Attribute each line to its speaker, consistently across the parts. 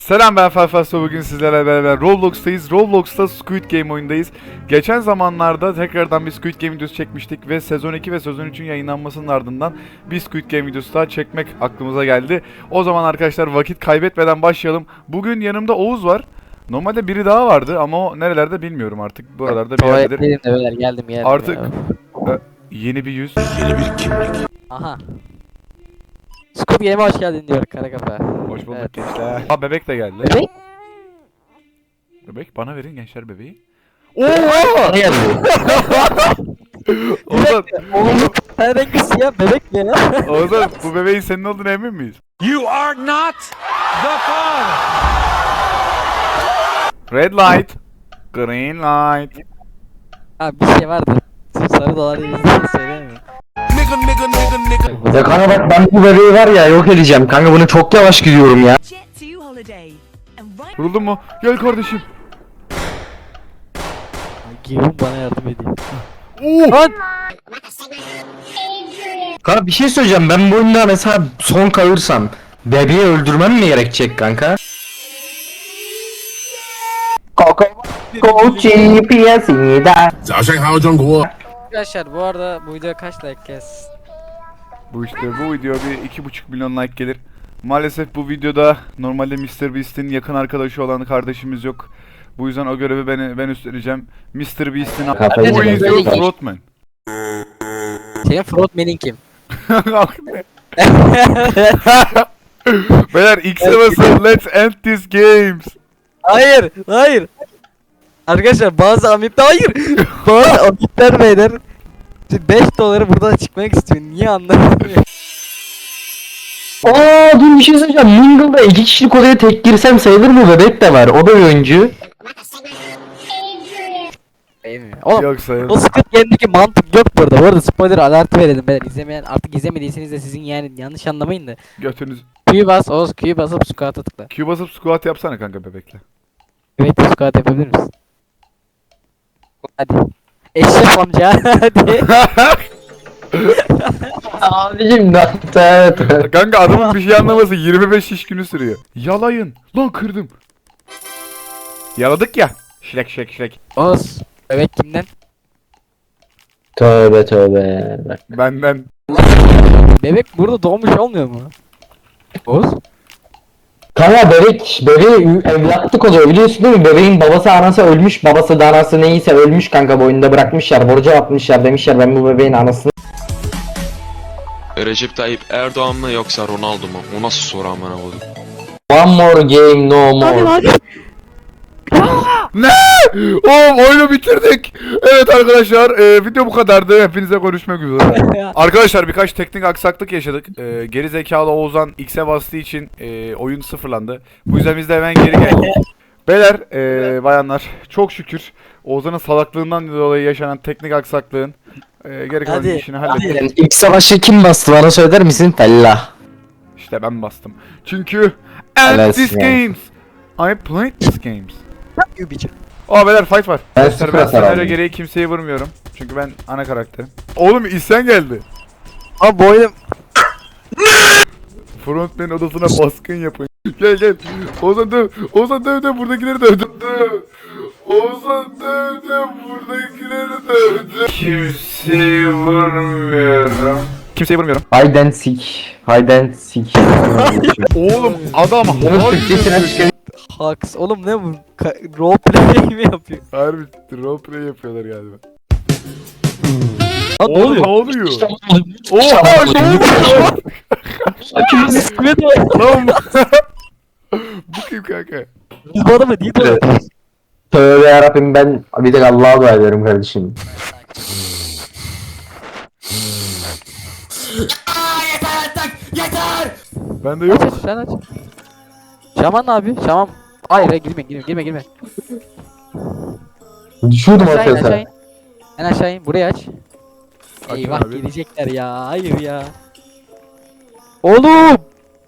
Speaker 1: Selam, ben Felfasto. Bugün sizlerle beraber Roblox'tayız. Roblox'ta Squid Game oyundayız. Geçen zamanlarda tekrardan bir Squid Game videosu çekmiştik ve sezon 2 ve sezon 3'ün yayınlanmasının ardından bir Squid Game videosu daha çekmek aklımıza geldi. O zaman arkadaşlar vakit kaybetmeden başlayalım. Bugün yanımda Oğuz var. Normalde biri daha vardı ama o nerelerde bilmiyorum artık. Buralarda bir yerdedir.
Speaker 2: Tuvaletteydim de geldim
Speaker 1: Artık
Speaker 2: ya.
Speaker 1: yeni bir yüz.
Speaker 2: Aha. Scoop Game'e hoş geldin diyor kara kafa.
Speaker 1: Hoş bulduk
Speaker 2: Evet.
Speaker 1: gençler. Ha, bebek de geldi.
Speaker 2: Bebek?
Speaker 1: Bebek bana verin gençler bebeği.
Speaker 2: Ne geldi?
Speaker 1: Ozan,
Speaker 2: Oğlum sen rengi siyah bebek mi ya?
Speaker 1: Ozan, bu bebeğin senin olduğuna emin miyiz?
Speaker 3: You are not the father.
Speaker 1: Red light, green light.
Speaker 2: Ha bir şey vardı. Sarı dolar yüzünden söyleyemiyorum.
Speaker 4: Ya kanka bak ben bu bebeği var ya yok edeceğim. Kanka bunu çok yavaş gidiyorum ya.
Speaker 5: Jet to holiday and right
Speaker 1: Vuruldun mu? Gel kardeşim.
Speaker 2: Giyim bana yardım ediyor.
Speaker 1: Oo!
Speaker 2: Lan!
Speaker 4: Kanka bir şey söyleyeceğim, ben bu oyunda mesela son kalırsam bebeği öldürmem mi gerekecek kanka?
Speaker 2: Arkadaşlar bu arada bu video kaç like gelsin?
Speaker 1: Bu video bir 2,5 milyon like gelir. Maalesef bu videoda normalde MrBeast'in yakın arkadaşı olan kardeşimiz yok. Bu yüzden o görevi ben üstleneceğim. MrBeast'in
Speaker 4: Kafayı
Speaker 1: Who is your
Speaker 2: yedim.
Speaker 1: frontman?
Speaker 2: Senin frontman'in kim?
Speaker 1: Beyler X'e basın, let's end this games.
Speaker 2: Hayır. Arkadaşlar bazı amitler hayır. Bazı amitler beyler 5 doları buradan çıkmak istiyor. Niye anlamıyorum?
Speaker 4: Aa dur bir şey söyleyeceğim. Mingle'da 2 kişilik odaya tek girsem sayılır mı? Bebek de var. O da bir oyuncu.
Speaker 2: Oğlum
Speaker 1: Yok sayılır.
Speaker 2: o Squid Game'deki mantık yok burada. Bu arada spoiler alertı verelim beyler. İzlemeyen artık izlemediyseniz de sizin yani yanlış anlamayın da.
Speaker 1: Götünüz.
Speaker 2: Q'yu bas, Oğuz Q'yu basıp squat'a tıkla.
Speaker 1: Q basıp squat yapsana kanka bebekle.
Speaker 2: Evet squat yapabilir misin? Hadi. Eşref amca hadi.
Speaker 4: Abicim ne?
Speaker 1: Kanka adamın bir şey anlaması 25 iş günü sürüyor. Yalayın. Lan kırdım. Yaladık ya. Şirek.
Speaker 2: Oğuz bebek kimden?
Speaker 4: Tövbe.
Speaker 1: Benden.
Speaker 2: Bebek burada doğmuş olmuyor mu? Oğuz?
Speaker 4: Kanka bebeği evlatlık oluyor biliyorsun değil mi? Bebeğin babası anası ölmüş, babası da anası neyse ölmüş kanka, bu oyunda bırakmışlar, borca atmışlar, demişler ben bu bebeğin anasını.
Speaker 6: Recep Tayyip Erdoğan mı yoksa Ronaldo mu? O nasıl soru amına koydum?
Speaker 4: One more game no more.
Speaker 1: Ne? Oğlum oyunu bitirdik. Evet arkadaşlar video bu kadardı. Hepinize görüşmek üzere. Arkadaşlar birkaç teknik aksaklık yaşadık. Geri zekalı Oğuzhan X'e bastığı için oyun sıfırlandı. Bu yüzden biz de hemen geri geldik. Beyler, bayanlar çok şükür Oğuzhan'ın salaklığından dolayı yaşanan teknik aksaklığın geri kalan
Speaker 2: Hadi,
Speaker 1: işini hallettik.
Speaker 4: İlk savaşı kim bastı bana söyler misin? Fellah.
Speaker 1: İşte ben bastım. Çünkü end
Speaker 4: Evet,
Speaker 1: these
Speaker 4: ya.
Speaker 1: games. I played these games.
Speaker 2: Yubici.
Speaker 1: Aa beyler fight var.
Speaker 4: Ben
Speaker 1: Arkadaşlar
Speaker 4: sıfır
Speaker 1: ben
Speaker 4: hasar
Speaker 1: senaryo
Speaker 4: aldım.
Speaker 1: gereği kimseyi vurmuyorum. Çünkü ben ana karakterim. Oğlum isyan geldi.
Speaker 2: Abi bu oyun
Speaker 1: Frontman odasına baskın yapın. Gel. Ozan döv buradakileri döv. Ozan döv buradakileri dövdü. Kimseyi vurmuyorum.
Speaker 4: Hide and seek.
Speaker 1: Oğlum adam
Speaker 4: Bunun Türkçesine çıkıyor.
Speaker 2: haks. Oğlum ne bu? Roleplay mi yapıyor?
Speaker 1: harbi roleplay yapıyorlar galiba.
Speaker 2: Lan ne
Speaker 1: Oğlum
Speaker 2: oluyor?
Speaker 1: ne oluyor? Oha ne oluyor? Lan bu kim kanka?
Speaker 2: Biz bu adamı değil mi?
Speaker 4: Tövbe yarabbim, ben bir tek Allah'a dua ederim kardeşim.
Speaker 1: Bende yok.
Speaker 2: Aç sen aç. Şaman abi Şaman. Hayır girme.
Speaker 4: Düşüyordum
Speaker 2: Aşağı in
Speaker 4: ortaya
Speaker 2: aşağı
Speaker 4: sen.
Speaker 2: in. En aşağı in burayı aç.
Speaker 1: Açın
Speaker 2: Eyvah
Speaker 1: abi.
Speaker 2: gelecekler ya. Hayır ya. Oğlum.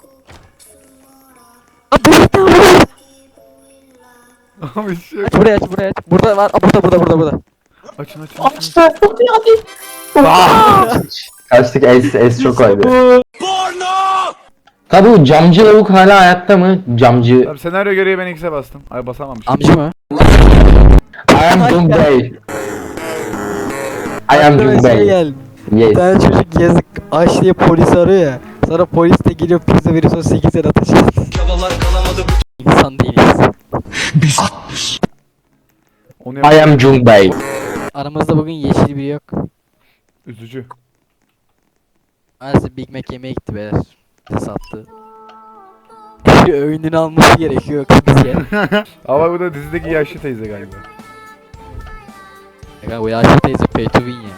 Speaker 1: Abi şey yok.
Speaker 2: Buraya aç. Burada var. Aa, burada.
Speaker 1: Açın.
Speaker 4: Kaçtık, es çok koydu. Tabi bu camcı lavuk hala hayatta mı? Camcı.
Speaker 1: Tamam, senaryo gereği ben X'e bastım. Ay basamamışım.
Speaker 2: Amcı mı?
Speaker 4: I am Jungbei. I am
Speaker 2: Aklıma şey
Speaker 4: Jungbei.
Speaker 2: geldi. Bir
Speaker 4: Yes.
Speaker 2: tane çocuk yazık aç diye polis arıyor ya. Sonra polis de geliyor pizza veriyor sonra 8 el ateş ediyor. İnsan değiliz.
Speaker 1: Onu
Speaker 4: I am Jungbei.
Speaker 2: Aramızda bugün yeşil biri yok.
Speaker 1: Üzücü.
Speaker 2: Maalesef Big Mac yemeye gitti beyler. Bize sattı. Öğününü alması gerekiyor kız ya.
Speaker 1: Ama bu da dizideki yaşlı teyze galiba.
Speaker 2: Ya bu yaşlı teyze pay to win ya.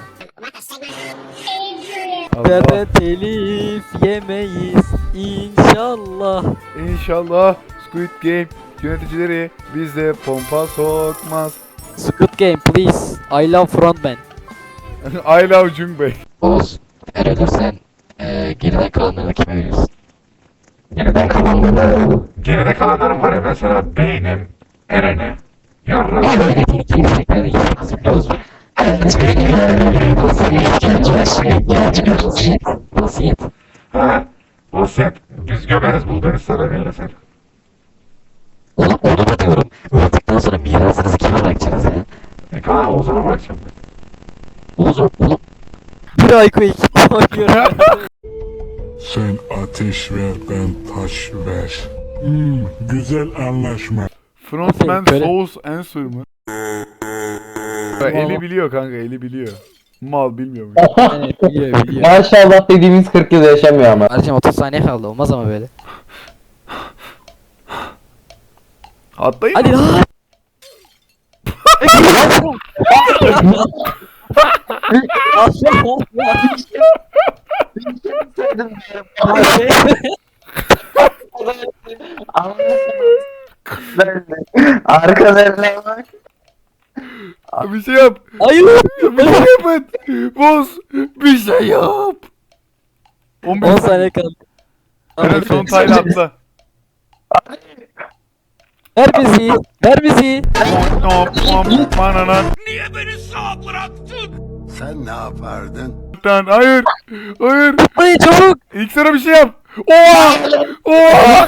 Speaker 1: Allah.
Speaker 2: Benden telif yemeyiz inşallah.
Speaker 1: İnşallah Squid Game yöneticileri bize pompa sokmaz.
Speaker 2: Squid Game please. I love frontman.
Speaker 1: I love Jungbei.
Speaker 7: Oğuz, eğer ölürsen geride kalanları kime veriyorsun? Geride kalanları... Geride kalanlarım var ya mesela beynim, Eren'e, yarrağım... Yönetini kimseklere gitmek biliyoruz. Vasiyet. Ha, vasiyet. Biz gömeriz Bulgaristan'a verirsen. Oğlum onu da diyorum. Öldükten sonra mirasınızı kime bırakacaksınız ya? Kaan Oğuz'a bırakacağım ben. Oğlum.
Speaker 2: Bir ayko ekip oynuyorum.
Speaker 8: Sen ateş ver, ben taş ver. Güzel anlaşma.
Speaker 1: Frontman
Speaker 2: Böyle-
Speaker 1: Souls Answer mı? Eli biliyor kanka, eli biliyor. Mal bilmiyormuş.
Speaker 2: Evet, biliyor.
Speaker 4: Maşallah dediğimiz 40 yıl yaşamıyor ama.
Speaker 2: Kardeşim 30 saniye kaldı olmaz ama böyle.
Speaker 1: Atlayın.
Speaker 2: Hadi lan.
Speaker 4: Arkalarına bak.
Speaker 1: Bir şey yap.
Speaker 2: Hayır.
Speaker 1: Bir şey yapın. Boz. Bir şey yap. 15
Speaker 2: 10 saniye kaldı.
Speaker 1: Eren son tayla atla.
Speaker 2: Ver bizi. Ver bizi.
Speaker 1: Mananan.
Speaker 8: Sen ne yapardın?
Speaker 1: Hayır. Hayır.
Speaker 2: Hadi çabuk.
Speaker 1: İlk sana bir şey yap. Oha. Oha.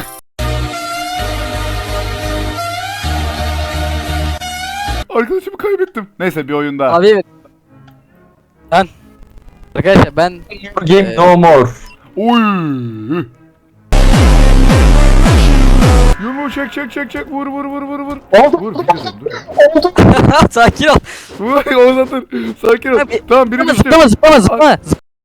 Speaker 1: Arkadaşımı kaybettim. Neyse bir oyun daha.
Speaker 2: Abi evet. Ben. Arkadaşlar ben
Speaker 4: Game no more.
Speaker 1: Oy. Yumruğu çek vur vur.
Speaker 4: Oldu.
Speaker 1: Vur bir kızım dur.
Speaker 2: sakin ol.
Speaker 1: Vur Oğuz atır. Sakin ol.
Speaker 2: Abi,
Speaker 1: Tamam biri düştü.
Speaker 2: Zıplama.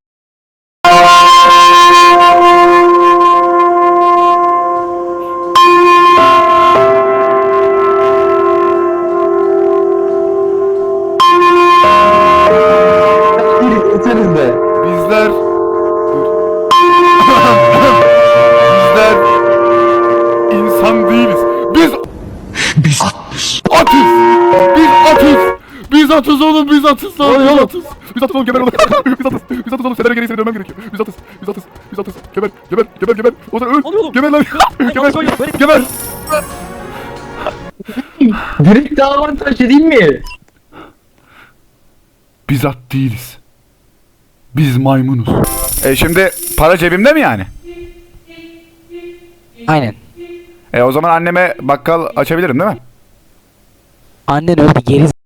Speaker 4: Bitiririz de.
Speaker 1: Bizler bizler insan değiliz. Biz atız. Biz atız oğlum biz atız lan. Biz atız. Biz atız oğlum geber oğlum. Biz atız oğlum senaryo gereği seni dövmem gerekiyor. Biz atız. Geber. O zaman öl. Geber lan. Geber.
Speaker 4: Direkt daha avantajlı değil mi?
Speaker 1: Biz at değiliz. Biz maymunuz. Şimdi para cebimde mi yani?
Speaker 2: Aynen.
Speaker 1: O zaman anneme bakkal açabilirim değil mi?
Speaker 2: Annen öldü geri